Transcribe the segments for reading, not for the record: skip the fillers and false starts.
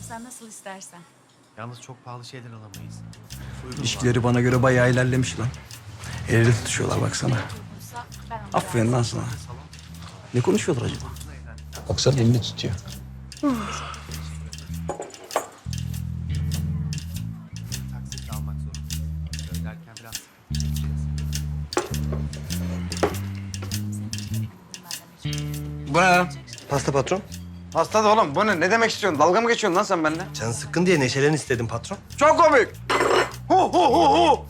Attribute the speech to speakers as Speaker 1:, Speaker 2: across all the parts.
Speaker 1: sen nasıl istersen.
Speaker 2: Yalnız çok pahalı şeyler alamayız.
Speaker 3: İlişkileri bana göre bayağı ilerlemiş lan. El ele tutuşuyorlar baksana.
Speaker 1: Uygunsa ben onu
Speaker 3: Aferin lan sana. Ne konuşuyorlar acaba? Baksana elini tutuyor.
Speaker 2: Taksit almak zorundayız. Öderken biraz
Speaker 3: Bu ne lan?
Speaker 4: Pasta patron.
Speaker 3: Hasta da oğlum. Bu ne? Ne demek istiyorsun? Dalga mı geçiyorsun lan sen benimle?
Speaker 4: Canın sıkkın diye neşelen istedim patron.
Speaker 3: Çok komik. Hu hu hu hu.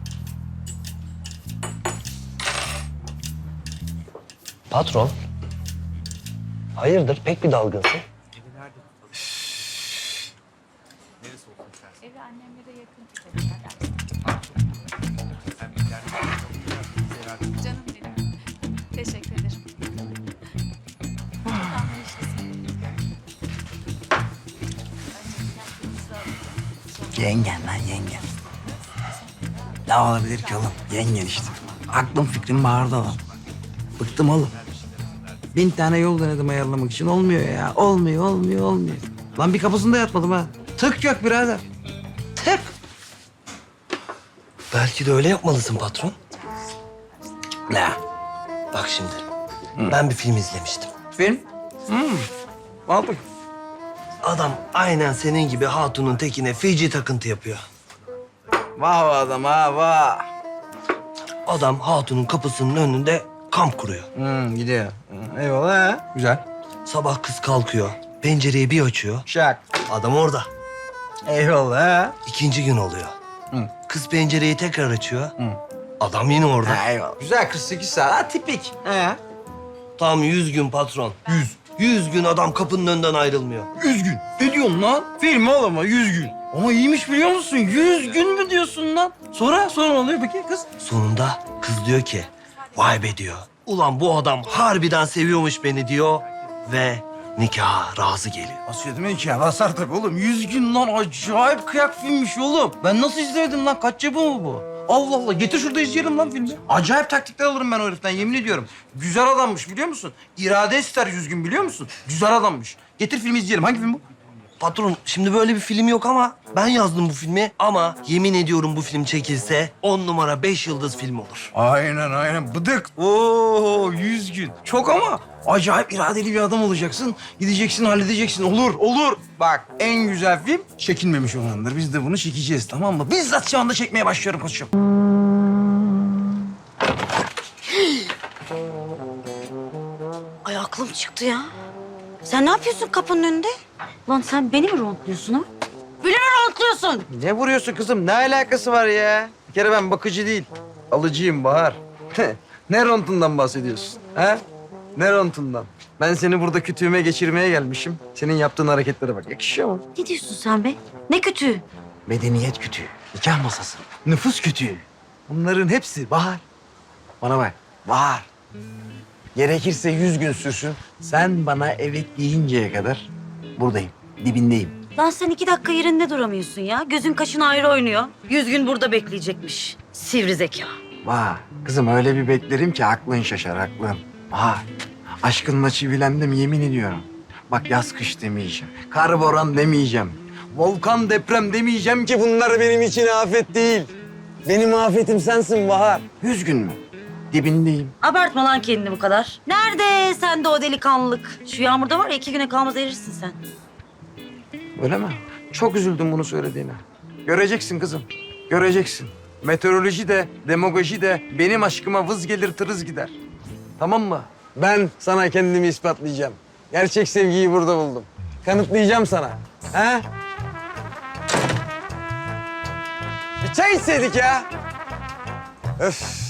Speaker 4: Patron? Hayırdır pek bir dalgınsın.
Speaker 2: evi nerede tutalım? Neresi olsun istersen.
Speaker 1: Evi annemlere yakın tutabilirler.
Speaker 2: Sen bir yerde
Speaker 1: Canım benim. Teşekkür ederim. Anlayışlısın.
Speaker 3: Yengen lan yengen. Ne olabilir ki oğlum? Yengen işte. Aklım fikrim bağırdı lan. Bıktım oğlum. 1000 tane yol denedim ayarlamak için. Olmuyor ya. Olmuyor. Lan bir kapısında yatmadım ha. Tık yok birader. Tık.
Speaker 4: Belki de öyle yapmalısın patron.
Speaker 3: Ne?
Speaker 4: Bak şimdi. Ben bir film izlemiştim.
Speaker 3: Film? Al bakayım.
Speaker 4: Adam aynen senin gibi hatunun tekine feci takıntı yapıyor.
Speaker 3: Vah adam ha vah.
Speaker 4: Adam hatunun kapısının önünde kamp kuruyor.
Speaker 3: Gidiyor. Eyvallah ha. Güzel.
Speaker 4: Sabah kız kalkıyor. Pencereyi bir açıyor.
Speaker 3: Şak.
Speaker 4: Adam orada.
Speaker 3: Eyvallah ha.
Speaker 4: İkinci gün oluyor.
Speaker 3: Hı.
Speaker 4: Kız pencereyi tekrar açıyor. Adam yine orada.
Speaker 3: Ha, eyvallah. Güzel 48 saat. Ha, tipik. He.
Speaker 4: Tam 100 gün patron. 100 gün adam kapının önünden ayrılmıyor.
Speaker 3: 100 gün. Ne diyorsun lan? Film oğlum o 100 gün. Ama iyiymiş biliyor musun? 100 gün mü diyorsun lan? Sonra ne oluyor peki kız?
Speaker 4: Sonunda kız diyor ki, vay be diyor. Ulan bu adam harbiden seviyormuş beni diyor ve nikaha razı geliyor.
Speaker 3: Nasıl demek ki ya? Basar tabii oğlum. 100 gün lan acayip kıyak filmmiş oğlum. Ben nasıl izlemedim lan? Kaç yapımı mı bu? Allah Allah. Getir şurada izleyelim lan filmi. Acayip taktikler alırım ben o heriften yemin ediyorum. Güzel adammış biliyor musun? İrade ister 100 gün biliyor musun? Güzel adammış. Getir filmi izleyelim. Hangi film bu?
Speaker 4: Patron şimdi böyle bir film yok ama ben yazdım bu filmi. Ama yemin ediyorum bu film çekilse 10 numara 5 yıldız film olur.
Speaker 3: Aynen. Bıdık. Oo 100 gün. Çok ama acayip iradeli bir adam olacaksın. Gideceksin, halledeceksin. Olur. Bak en güzel film çekilmemiş olandır. Biz de bunu çekeceğiz tamam mı? Bizzat şu anda çekmeye başlıyorum koçum.
Speaker 5: Ay aklım çıktı ya. Sen ne yapıyorsun kapının önünde? Lan sen beni mi rontluyorsun ha? Beni mi rontluyorsun?
Speaker 3: Ne vuruyorsun kızım? Ne alakası var ya? Bir kere ben bakıcı değil, alıcıyım Bahar. Ne rontundan bahsediyorsun? Ha? Ne rontundan? Ben seni burada kütüğüme geçirmeye gelmişim. Senin yaptığın hareketlere bak. Yakışıyor mu?
Speaker 5: Ne diyorsun sen be? Ne kötü.
Speaker 3: Medeniyet kütüğü, nikah masası, nüfus kütüğü. Bunların hepsi Bahar. Bana bak, Bahar. Gerekirse 100 gün sürsün. Sen bana evet deyinceye kadar buradayım, dibindeyim.
Speaker 5: Lan sen 2 dakika yerinde duramıyorsun ya. Gözün kaşın ayrı oynuyor. 100 gün burada bekleyecekmiş. Sivri zeka.
Speaker 3: Vah, kızım öyle bir beklerim ki aklın şaşar, aklın. Vah, aşkınla çivilendim yemin ediyorum. Bak yaz kış demeyeceğim, kar boran demeyeceğim. Volkan deprem demeyeceğim ki bunlar benim için afet değil. Benim afetim sensin Bahar. 100 gün mü? Dibindeyim.
Speaker 5: Abartma lan kendini bu kadar. Nerede sende o delikanlılık? Şu yağmurda var ya 2 güne kalmaz erirsin sen.
Speaker 3: Öyle mi? Çok üzüldüm bunu söylediğine. Göreceksin kızım, göreceksin. Meteoroloji de, demagoji de benim aşkıma vız gelir tırız gider. Tamam mı? Ben sana kendimi ispatlayacağım. Gerçek sevgiyi burada buldum. Kanıtlayacağım sana. Ha? Bir çay içseydik ya. Öf.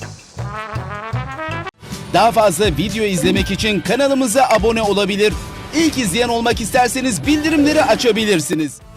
Speaker 6: Daha fazla video izlemek için kanalımıza abone olabilir. İlk izleyen olmak isterseniz bildirimleri açabilirsiniz.